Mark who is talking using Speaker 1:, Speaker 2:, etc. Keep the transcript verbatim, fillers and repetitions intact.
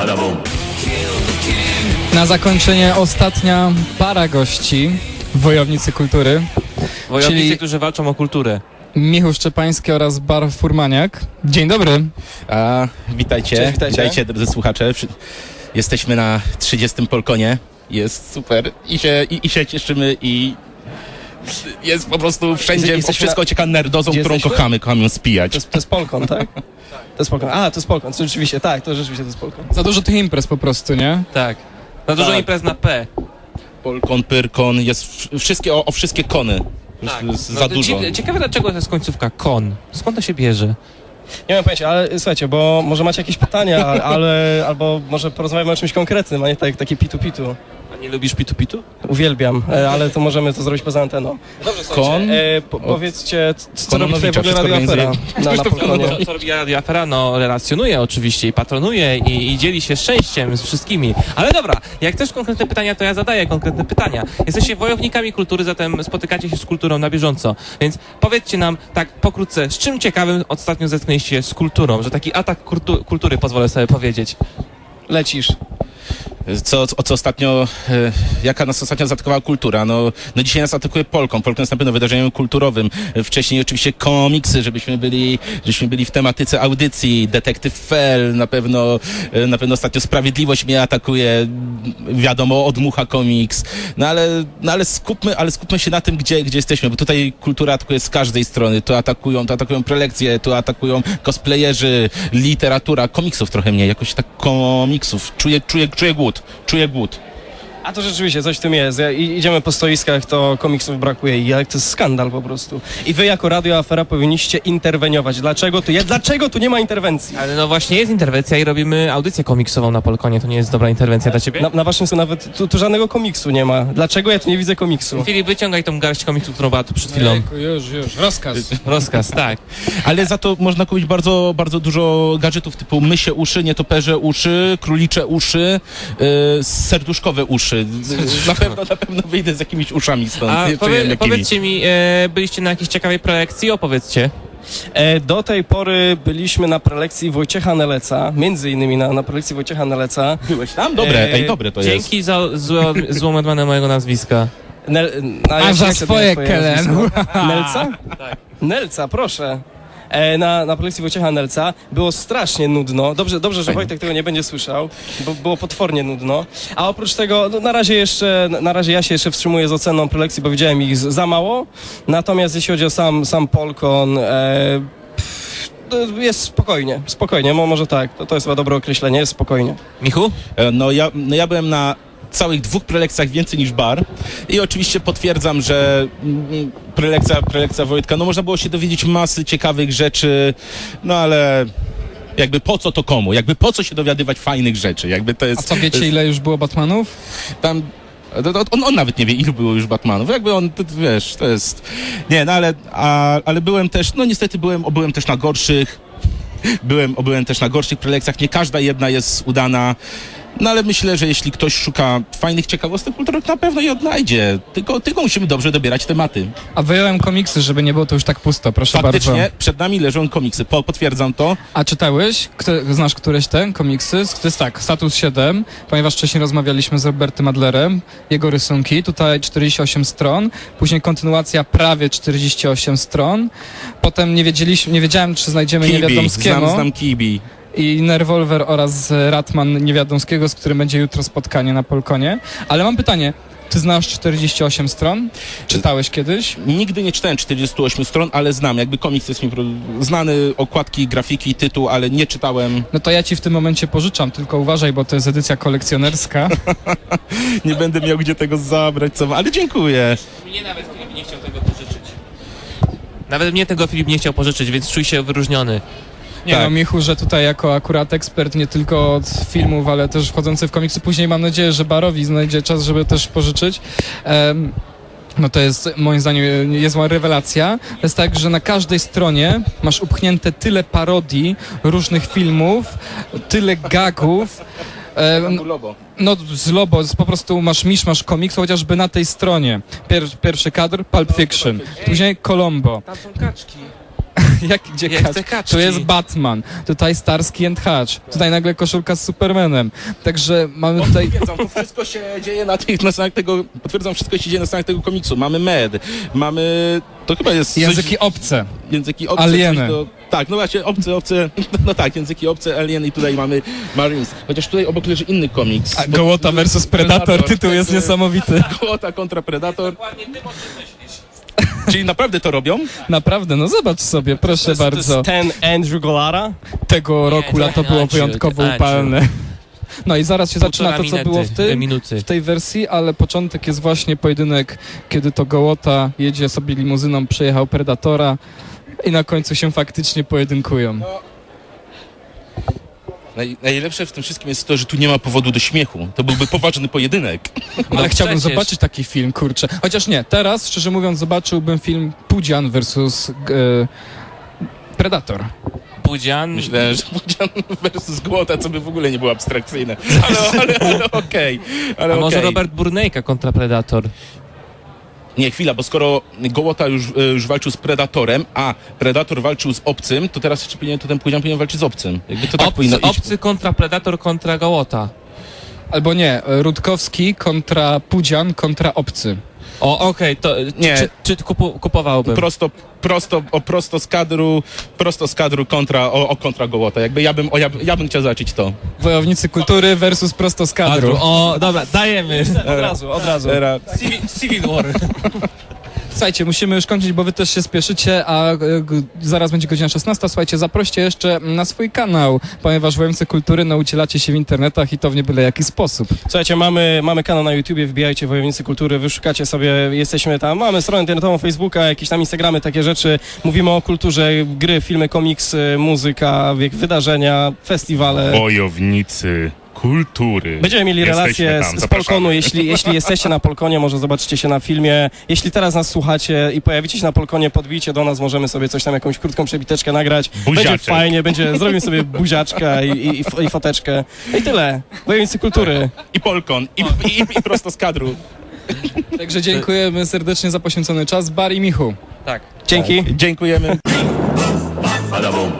Speaker 1: Na zakończenie ostatnia para gości, Wojownicy Kultury.
Speaker 2: Wojownicy,
Speaker 1: Czyli-
Speaker 2: którzy walczą o kulturę.
Speaker 1: Michał Szczepański oraz Bar Furmaniak. Dzień dobry.
Speaker 3: A, witajcie,
Speaker 4: Cześć, witajcie.
Speaker 3: witajcie drodzy słuchacze. Przy- Jesteśmy na trzydziestym Polkonie. Jest super i się, i, i się cieszymy i jest po prostu wszędzie,
Speaker 4: Jesteśmy
Speaker 3: o wszystko
Speaker 4: na-
Speaker 3: ocieka nerdozą,
Speaker 4: Gdzie
Speaker 3: którą
Speaker 4: jesteśmy?
Speaker 3: kochamy, kochamy ją spijać.
Speaker 4: To jest, to jest Polkon, tak? To jest Polkon. A, to jest Polkon, to rzeczywiście, tak, to rzeczywiście to jest Polkon.
Speaker 1: Za dużo tych imprez po prostu, nie?
Speaker 2: Tak. Na dużo
Speaker 3: Tak.
Speaker 2: imprez na P.
Speaker 3: Polkon, Pyrkon, jest w- wszystkie, o, o wszystkie kony.
Speaker 2: Tak.
Speaker 3: Jest
Speaker 2: No,
Speaker 3: za
Speaker 2: to
Speaker 3: dużo.
Speaker 2: cie- Ciekawe, dlaczego to jest końcówka kon. Skąd to się bierze?
Speaker 4: Nie mam pojęcia, ale słuchajcie, bo może macie jakieś pytania, ale, albo może porozmawiamy o czymś konkretnym, a nie tak, takie pitu-pitu.
Speaker 2: A nie lubisz pitu-pitu?
Speaker 4: Uwielbiam, e, ale to możemy to zrobić poza anteną. Dobrze,
Speaker 3: Kon?
Speaker 4: E, po, powiedzcie, c- co robi tutaj w
Speaker 3: Kononowicza,
Speaker 4: ogóle Radio
Speaker 3: wszystko
Speaker 4: Afera na, na Polkonie?
Speaker 2: Co, co robi Radio Afera? No, relacjonuje oczywiście i patronuje i, i dzieli się szczęściem z wszystkimi. Ale dobra, jak też konkretne pytania, to ja zadaję konkretne pytania. Jesteście wojownikami kultury, zatem spotykacie się z kulturą na bieżąco. Więc powiedzcie nam tak pokrótce, z czym ciekawym ostatnio zetknęliście się z kulturą, że taki atak kultu- kultury, pozwolę sobie powiedzieć.
Speaker 4: Lecisz.
Speaker 3: Co, o co ostatnio, e, jaka nas ostatnio zaatakowała kultura? No, no dzisiaj nas atakuje Polką. Polką jest na pewno wydarzeniem kulturowym. E, Wcześniej oczywiście komiksy, żebyśmy byli, żebyśmy byli w tematyce audycji. Detektyw Fell, na pewno, e, na pewno ostatnio Sprawiedliwość mnie atakuje. Wiadomo, Odmucha komiks. No ale, no ale skupmy, ale skupmy się na tym, gdzie, gdzie jesteśmy, bo tutaj kultura atakuje z każdej strony. Tu atakują, tu atakują prelekcje, tu atakują cosplayerzy, literatura, komiksów trochę mniej, jakoś tak komiksów. Czuję, czuję, czuję głód. Czuję głód.
Speaker 4: A to rzeczywiście, coś w tym jest. Ja, i- idziemy po stoiskach, to komiksów brakuje i jak to jest skandal po prostu. I wy jako Radio Afera powinniście interweniować. Dlaczego tu, je, dlaczego tu nie ma interwencji?
Speaker 2: Ale no właśnie jest interwencja i robimy audycję komiksową na Polkonie. To nie jest dobra interwencja dla ciebie?
Speaker 4: Na, na waszym są nawet, tu, tu żadnego komiksu nie ma. Dlaczego ja tu nie widzę komiksu?
Speaker 2: Filip, wyciągaj tą garść komiksów, którą była tu przed chwilą.
Speaker 1: Ejku, już, już. Rozkaz.
Speaker 2: Rozkaz, tak.
Speaker 3: Ale za to można kupić bardzo, bardzo dużo gadżetów typu mysie uszy, nietoperze uszy, królicze uszy, yy, serduszkowe uszy. Na pewno, na pewno wyjdę z jakimiś uszami stąd.
Speaker 2: A
Speaker 3: Nie wiem,
Speaker 2: powie,
Speaker 3: jakimi.
Speaker 2: powiedzcie mi, e, byliście na jakiejś ciekawej prelekcji? Opowiedzcie.
Speaker 4: E, do tej pory byliśmy na prelekcji Wojciecha Neleca, między innymi na, na prelekcji Wojciecha Neleca.
Speaker 3: Byłeś tam? Dobre,
Speaker 4: E,
Speaker 3: ej, dobre to jest.
Speaker 2: Dzięki za zło, złą odmianę mojego nazwiska.
Speaker 4: Nel, na,
Speaker 1: A
Speaker 4: ja
Speaker 1: za
Speaker 4: nie chcę
Speaker 1: swoje,
Speaker 4: dać
Speaker 1: Kelen.
Speaker 4: nazwisko. Nelca?
Speaker 2: Tak.
Speaker 4: Nelca, proszę. E, na, na prelekcji Wojciecha Nelca było strasznie nudno. Dobrze, dobrze, że
Speaker 3: Fajnie.
Speaker 4: Wojtek tego nie będzie słyszał, bo było potwornie nudno. A oprócz tego, no, na razie jeszcze, na razie ja się jeszcze wstrzymuję z oceną prelekcji, bo widziałem ich z- za mało. Natomiast jeśli chodzi o sam, sam Polkon, e, pff, to jest spokojnie, spokojnie, mo, może tak, to, to jest chyba dobre określenie, jest spokojnie.
Speaker 2: Michu?
Speaker 3: E, No ja, no ja byłem na całych dwóch prelekcjach więcej niż bar i oczywiście potwierdzam, że mm, prelekcja, prelekcja Wojtka, no można było się dowiedzieć masy ciekawych rzeczy, no ale jakby po co to komu? Jakby po co się dowiadywać fajnych rzeczy? Jakby to jest...
Speaker 1: A co,
Speaker 3: to
Speaker 1: wiecie
Speaker 3: jest,
Speaker 1: ile już było Batmanów?
Speaker 3: tam to- to- on, on nawet nie wie, ilu było już Batmanów. Jakby on, to, wiesz, to jest... Nie, no ale, a, ale byłem też, no niestety byłem, o, byłem też na gorszych, byłem, o, byłem też na gorszych prelekcjach. Nie każda jedna jest udana. No ale myślę, że jeśli ktoś szuka fajnych ciekawostek kulturowych, na pewno je odnajdzie. Tylko, tylko musimy dobrze dobierać tematy.
Speaker 1: A wyjąłem komiksy, żeby nie było to już tak pusto, proszę
Speaker 3: Faktycznie
Speaker 1: bardzo.
Speaker 3: przed nami leżą komiksy. Po, potwierdzam to.
Speaker 1: A czytałeś? Kto, znasz któreś te komiksy? To jest tak, Status siedem, ponieważ wcześniej rozmawialiśmy z Robertem Adlerem, jego rysunki, tutaj czterdzieści osiem stron, później kontynuacja prawie czterdzieści osiem stron, potem nie wiedzieliśmy, nie wiedziałem, czy znajdziemy
Speaker 3: Kibi,
Speaker 1: Niewiadomskiego
Speaker 3: znam, znam Kibi.
Speaker 1: i Nerwolwer oraz Ratman Niewiadomskiego, z którym będzie jutro spotkanie na Polkonie. Ale mam pytanie, ty znasz czterdzieści osiem stron? Czytałeś kiedyś?
Speaker 3: Nigdy nie czytałem czterdziestu ośmiu stron, ale znam. Jakby komiks jest mi pro- znany, okładki, grafiki, tytuł, ale nie czytałem.
Speaker 1: No to ja ci w tym momencie pożyczam, tylko uważaj, bo to jest edycja kolekcjonerska.
Speaker 3: Nie będę miał gdzie tego zabrać, co... ale dziękuję.
Speaker 2: Mnie nawet Filip nie chciał tego pożyczyć. Nawet mnie tego Filip nie chciał pożyczyć, więc czuj się wyróżniony.
Speaker 1: Nie
Speaker 3: Tak.
Speaker 1: no, Michu, że tutaj jako akurat ekspert nie tylko od filmów, ale też wchodzący w komiksy. Później mam nadzieję, że Barowi znajdzie czas, żeby też pożyczyć. Em, no to jest moim zdaniem niezła rewelacja. To jest tak, że na każdej stronie masz upchnięte tyle parodii różnych filmów, tyle gagów. Em,
Speaker 3: Lobo.
Speaker 1: no z Lobo, z, po prostu masz misz, masz komiks, chociażby na tej stronie. Pier, pierwszy kadr, Pulp Fiction. Później Colombo.
Speaker 2: Tam są kaczki.
Speaker 1: Jak, gdzie
Speaker 2: Ja
Speaker 1: kacz?
Speaker 2: chcę kaczki.
Speaker 1: Tu jest Batman, tutaj Starsky and Hutch, tutaj nagle koszulka z Supermanem. Także mamy tutaj...
Speaker 3: Potwierdzam, to wszystko się dzieje na tych, na stronach tego, potwierdzam, wszystko się dzieje na stronach tego komiksu. Mamy med, mamy, to chyba jest coś-
Speaker 1: Języki obce.
Speaker 3: języki obce.
Speaker 1: Alieny.
Speaker 3: coś Do, tak, no właśnie, obce, obce, no tak, języki obce, alien i tutaj mamy Marines. Chociaż tutaj obok leży inny komiks.
Speaker 1: A
Speaker 3: bo-
Speaker 1: Gołota versus Predator, tytuł jest
Speaker 3: także-
Speaker 1: niesamowity.
Speaker 3: Gołota kontra Predator. Czyli naprawdę to robią?
Speaker 1: Naprawdę, no zobacz sobie, proszę
Speaker 4: To jest, to
Speaker 1: bardzo.
Speaker 4: jest ten Andrew Golara.
Speaker 1: Tego roku
Speaker 2: to
Speaker 1: lato było
Speaker 2: Andrew,
Speaker 1: wyjątkowo
Speaker 2: Andrew.
Speaker 1: upalne. No i zaraz się zaczyna to, co
Speaker 2: Półtora
Speaker 1: było w,
Speaker 2: minuty,
Speaker 1: tym,
Speaker 2: minuty.
Speaker 1: w tej wersji, ale początek jest właśnie pojedynek, kiedy to Gołota jedzie sobie limuzyną, przejechał Predatora i na końcu się faktycznie pojedynkują.
Speaker 3: Naj, najlepsze w tym wszystkim jest to, że tu nie ma powodu do śmiechu. To byłby poważny pojedynek.
Speaker 1: Ale
Speaker 2: No
Speaker 1: chciałbym
Speaker 2: przecież.
Speaker 1: zobaczyć taki film, kurczę. Chociaż nie, teraz, szczerze mówiąc, zobaczyłbym film Pudzian versus e, Predator.
Speaker 2: Pudzian.
Speaker 3: Myślę, że Pudzian versus Głota, co by w ogóle nie było abstrakcyjne. Ale, ale, ale okej. ale
Speaker 2: A może
Speaker 3: okej.
Speaker 2: Robert Burnejka kontra Predator?
Speaker 3: Nie, chwila, bo skoro Gołota już, e, już walczył z Predatorem, a Predator walczył z obcym, to teraz jeszcze powinien, to ten Pudzian powinien walczyć z obcym. Jakby to tak powinno
Speaker 2: Obcy,
Speaker 3: iść.
Speaker 2: obcy kontra Predator kontra Gołota.
Speaker 1: Albo nie, Rutkowski kontra Pudzian kontra Obcy.
Speaker 2: O, okej, to
Speaker 3: Nie.
Speaker 2: czy, czy kupu, kupowałbym?
Speaker 3: Prosto, prosto, o, prosto z kadru, prosto z kadru kontra, o, o kontra Gołota. Jakby ja bym, o, ja, ja bym chciał zobaczyć to.
Speaker 1: Wojownicy kultury versus prosto z kadru.
Speaker 2: Kadru. O, dobra, dajemy.
Speaker 4: Od razu, od razu.
Speaker 3: Era,
Speaker 2: Civil, Civil War.
Speaker 1: Słuchajcie, musimy już kończyć, bo wy też się spieszycie, a e, g- zaraz będzie godzina szesnasta. Słuchajcie, zaproście jeszcze na swój kanał, ponieważ Wojownicy Kultury no, ucielacie się w internetach i to w nie byle jaki sposób.
Speaker 4: Słuchajcie, mamy, mamy kanał na YouTubie, wbijajcie Wojownicy Kultury, wyszukacie sobie, jesteśmy tam, mamy stronę internetową, Facebooka, jakieś tam Instagramy, takie rzeczy. Mówimy o kulturze, gry, filmy, komiksy, muzyka, wiek, wydarzenia, festiwale.
Speaker 5: Wojownicy kultury.
Speaker 4: Będziemy mieli
Speaker 5: Jesteśmy
Speaker 4: relacje
Speaker 5: tam,
Speaker 4: z, z
Speaker 5: zapraszamy.
Speaker 4: Polkonu, jeśli, jeśli jesteście na Polkonie, może zobaczycie się na filmie. Jeśli teraz nas słuchacie i pojawicie się na Polkonie, podbijcie do nas, możemy sobie coś tam, jakąś krótką przebiteczkę nagrać. Będzie
Speaker 5: Buziaczek.
Speaker 4: fajnie, będzie, zrobimy sobie buziaczkę i, i, i, f- i foteczkę. I tyle. Wojownicy Kultury.
Speaker 3: I Polkon, i, i, i prosto z kadru.
Speaker 1: Także dziękujemy serdecznie za poświęcony czas. Bar i Michu.
Speaker 2: Tak.
Speaker 4: Dzięki.
Speaker 3: Dziękujemy.